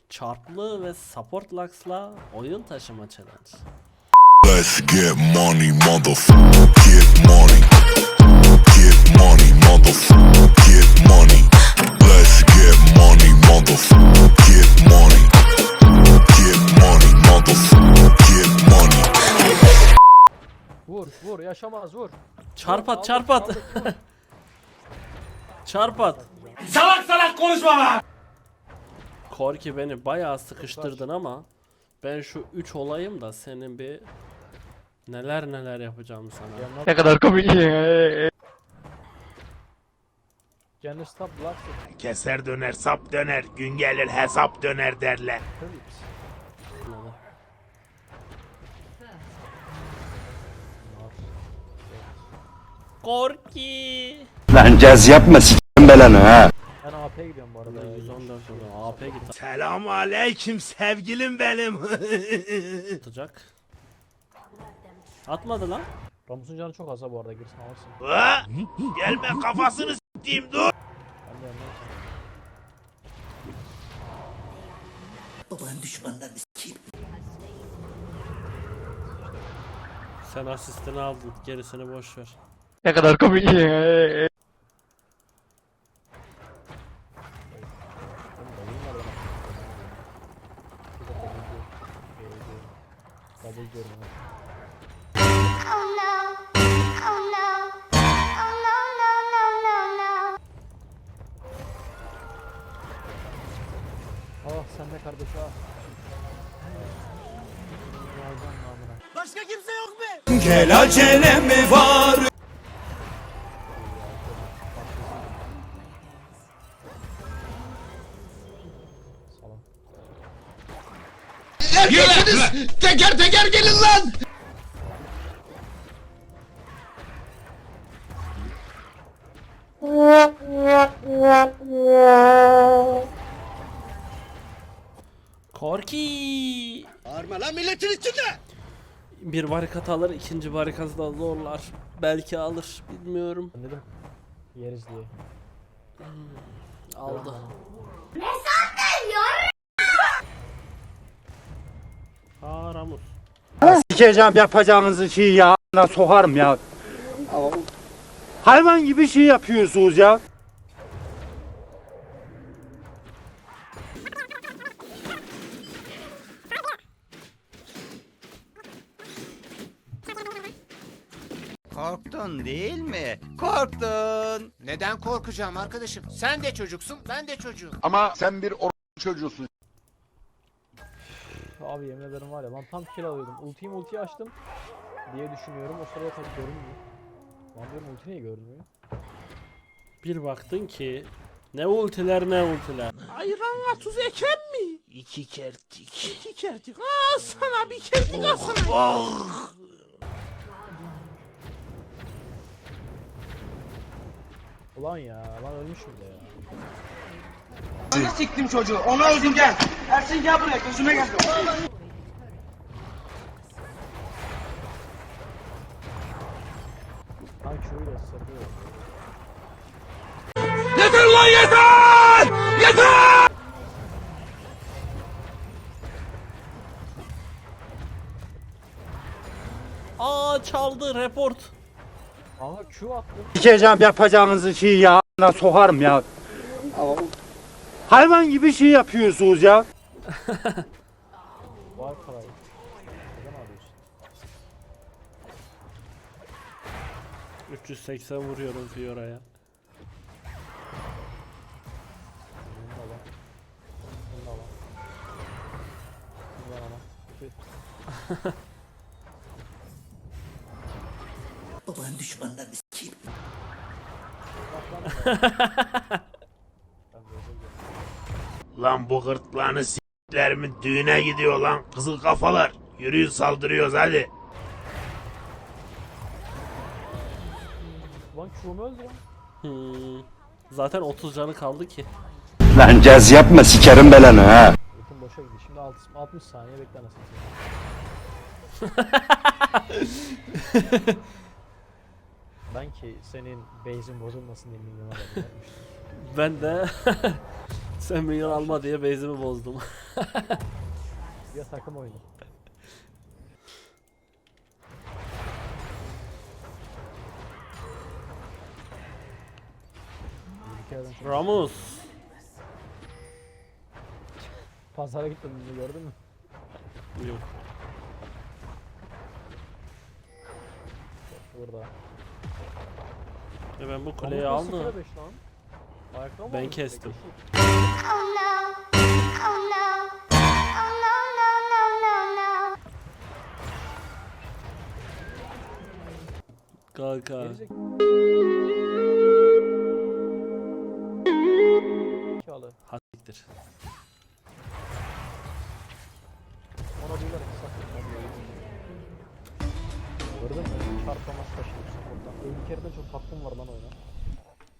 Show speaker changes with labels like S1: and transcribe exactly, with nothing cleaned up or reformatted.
S1: Çarplı ve support lux'la oyun taşıma challenge.
S2: Let's get money, motherfucker. Get money. Get money, motherfucker. Get money. Let's get money, motherfucker. Get money. Get money, motherfucker. Get money.
S3: Vur vur yaşamaz vur.
S1: Çarpat
S3: Aldık,
S1: çarpat.
S3: aldık, vur.
S1: Çarpat.
S4: Salak salak konuşma lan!
S1: Korki beni bayağı sıkıştırdın ama ben şu üç olayım da senin bir neler neler yapacağım sana.
S3: Yanına
S5: Ne kadar komik.
S3: Canı stop last
S4: Keser döner, sap döner, gün gelir hesap döner derler.
S3: Philips.
S1: Neler? Korki.
S5: Lan caz yapma s**tim belanı ha.
S3: Ben A P'ye gidiyorum bu arada.
S1: yüz on dört oldu. A P git
S4: Selamun aleyküm sevgilim benim.
S1: atacak. Atmadı lan.
S3: Ramus'un canı çok az ha bu arada, girsin alırsın.
S4: Ha? Gelme kafasını s**eyim dur.
S3: Ben de yanına
S1: Sen asistini aldın. Gerisini boş ver.
S5: Ne kadar komik.
S3: double diyorum.
S6: Oh no. Oh no. Oh no, no, no, no, no.
S3: Ah sen de kardeş ah. Yazdan namına.
S4: Başka kimse yok mu?
S7: Gel acele mi var?
S3: Salam.
S7: Erkeksiniz! Teker teker gelin lan!
S1: Korki.
S7: Bağırma lan milletin içinde!
S1: Bir barikat alır, ikinci barikatı da zorlar. Belki alır, bilmiyorum.
S3: Ben dedim yeriz diye.
S1: Aldı. Aa Ramus.
S8: Sikeceğim yapacağınızı şey ya. a**ına sokarım ya. Hayvan gibi şey yapıyorsunuz ya.
S7: Korktun değil mi? Korktun.
S9: Neden korkacağım arkadaşım? Sen de çocuksun, ben de çocuğum.
S10: Ama sen bir or çocuğusun.
S3: Abi yemin ederim var ya, lan tam kill alıyordum. Ultiyi multiyi açtım diye düşünüyorum. O sırada tabii görünmüyor. Lan diyorum ulti niye görünmüyor?
S1: Bir baktın ki ne ultiler ne ultiler.
S4: Ayranla tuz eken mi? İki kertik. İki kertik. Aa sana bir kertik al sana. Oh.
S3: Ulan ya, lan ölmüş bile ya.
S7: Bana siktim çocuğu. Ona öldüm gel. Ersin gel buraya gözüme gel.
S3: Lan şöyle ısırdı.
S7: Yeter lan yeter! Yeter!
S1: Aa çaldı report.
S3: Aha Q attım.
S8: Sikeceğim yapacağınızı şey ya. a**ına sokarım ya. Hayvan gibi şey yapıyorsunuz ya.
S3: Var parayı. Neden alıyorsun?
S1: üç yüz seksen vuruyorum Fiora'ya.
S3: Bunu da alalım. Bunu da alalım. Bunu da alalım. Tüh.
S7: Babanın düşmanlarını sikeyim.
S3: Ben böyle gidiyorum.
S4: Lan bu gırtlağını s**lerimin düğüne gidiyor lan. Kızıl kafalar. Yürüyün saldırıyoruz hadi.
S3: Lan Q'mu öldü lan.
S1: Hmm. Zaten otuz canı kaldı ki.
S5: Lan caz yapma sikerim belanı ha.
S3: Ultim boşa gidiyor. Şimdi altmış, altmış saniye bekle anasını satayım. Ben ki senin base'in bozulmasın diye milyona vermiştim.
S1: Ben de Sen minyon alma diye base'imi bozdum.
S3: Ya takım oyunu. Bir kere ben
S1: Ramus.
S3: pazara gittim gördün mü?
S1: Yok.
S3: Burada.
S1: E ben bu kuleyi
S3: Ramus
S1: aldım.
S3: sıfıra beş lan. Ayakta mı
S1: Ben
S3: aldın?
S1: kestim.
S6: Oh no. Oh no. Oh no, no, no, no, no.
S1: Kanka.
S3: Gerizek- Zekalı.
S1: Hasiktir.
S3: Ona diyorlar ki sakın. Gördün mü? Çarpamaz taşıyorsun buradan. Bir kere de çok hakkım var lan oyuna.